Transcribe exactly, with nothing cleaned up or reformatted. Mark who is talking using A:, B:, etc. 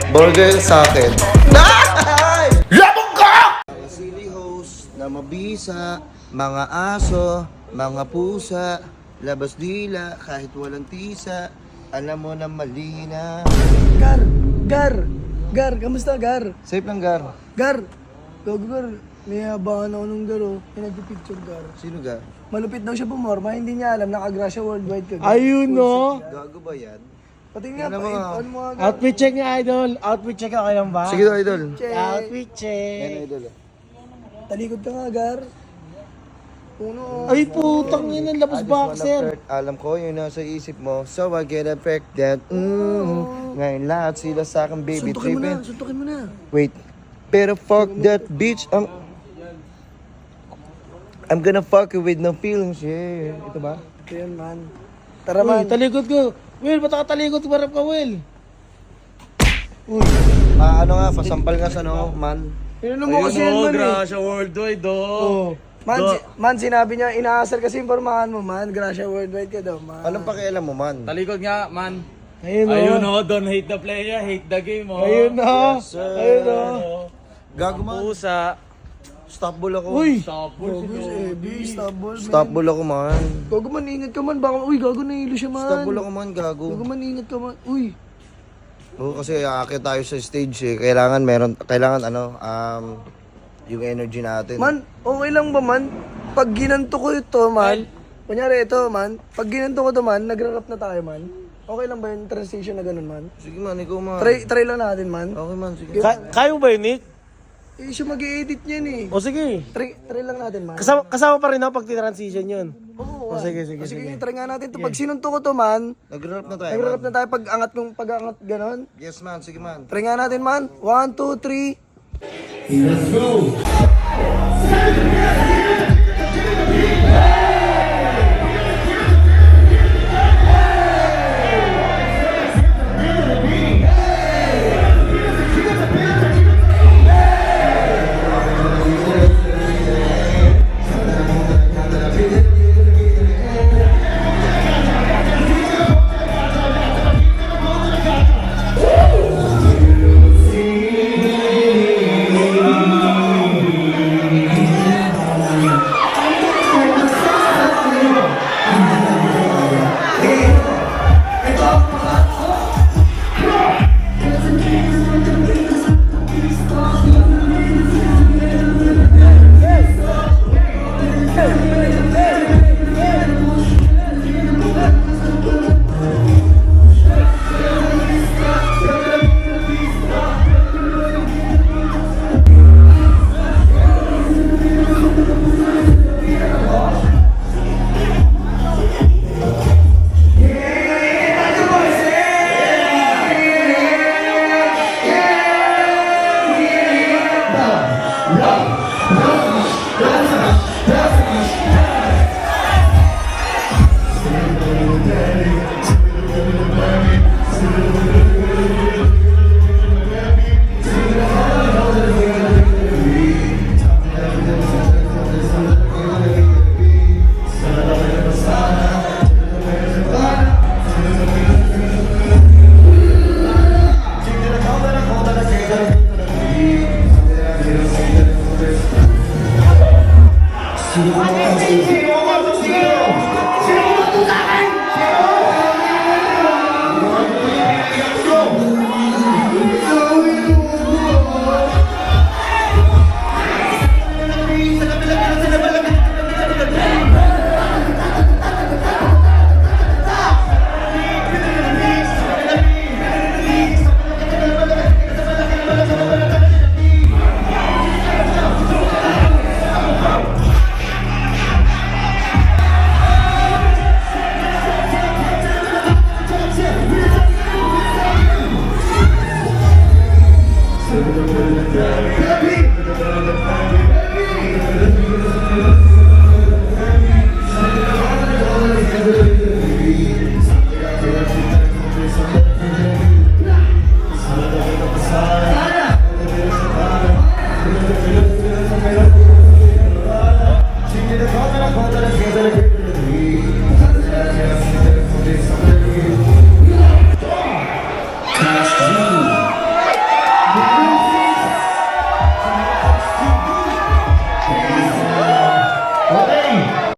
A: Burger sa akin. Labog ka! Mga silly host na mabisa, mga aso, mga pusa, labas dila, kahit walang tisa, alam mo na mali na.
B: Gar! Gar! Gar! Kamusta, Gar?
A: Safe lang, Gar.
B: Gar! Gago, Gar. May habangan ako nung Gar, oh. May nagpipicture, Gar.
A: Sino, Gar?
B: Malupit daw siya pumorma, hindi niya alam, nakagrasya worldwide ka. Gar.
C: Ayun, no?
A: Gago ba yan?
B: Pati nga,
A: Tingnan mo
B: pa,
A: nga.
B: ano mo nga, Gar?
C: Outfit check niya, idol. Outfit check okay lang ba?
A: Sige daw, idol.
B: Check.
C: Outfit
A: Yan,
C: check.
A: idol.
B: Talikod ka nga, Gar. Uno, oh.
C: Ay, putang yun ang labas
A: I just wanna
C: boxer.
A: flirt. Alam ko yun nasa isip mo. So I get affected. Mm. Ngayon lahat sila sa akin, baby.
B: Suntukin mo na,
A: Trippin'.
B: suntukin mo na.
A: Wait. Pero fuck that bitch. I'm, I'm gonna fuck you with no feelings. Yeah. Ito ba?
B: Ito yan, man. Tara,
C: Uy,
B: man.
C: talikod ko. Will, ba't nakatalikod? Marap ka, Will.
A: Uy. Ah, ano nga, pasampal nga sa no, man.
B: Pinano mo kasi yan, man, eh.
D: Gracia Worldwide, oh.
B: Oh. Man, si- man, sinabi niya, inaasar kasi yung pormahan mo, man. Gracia worldwide ka daw, man.
A: Anong pakialam mo, man?
D: Talikod nga, man.
C: Ayun, no?
D: Ayun, oh. Don't hate the player, hate the game, oh.
C: Ayun, no?
A: Sir.
C: Ayun, no?
A: Gago, man.
D: Pusa.
A: Stop bull ako.
C: Uy!
D: Tapos,
B: Gago, eh, B, stop ball, man.
A: Stop bull ako, man.
B: Gago, man, ingat ka, man. Baka, uy, gago, nahilo siya, man.
A: Stop bull ako, man. Gago.
B: Gago, man, ingat ka, man. Uy.
A: Oo, kasi aakyat tayo sa stage eh. Kailangan meron, kailangan ano, um, yung energy natin.
B: Man, okay lang ba, man? Pag ginanto ko ito, man. Kunyari, ito, man. Pag ginanto ko ito, man, nagra-rap na tayo, man. Okay lang ba yung transition na ganun, man?
A: Sige, man. Ikaw, man.
B: Try, try lang natin, man.
A: Okay, man. Sige.
C: Ka- kaya mo ba yun, Nick?
B: Eh, siya mag-i-edit niyan, eh.
C: O sige.
B: Try, try lang natin, man.
C: Kasama, kasama pa rin ako pag transition yun.
B: Oo,
C: O sige, sige,
B: O, sige,
C: sige.
B: try nga natin ito. Pag sinunto ko to, man,
A: Nag-rap na tayo,
B: nagra-rap
A: man.
B: na tayo pag angat kong pag angat ganon.
A: Yes, man. Sige, man.
B: Try nga natin, man. One, two, three.
E: Let's go!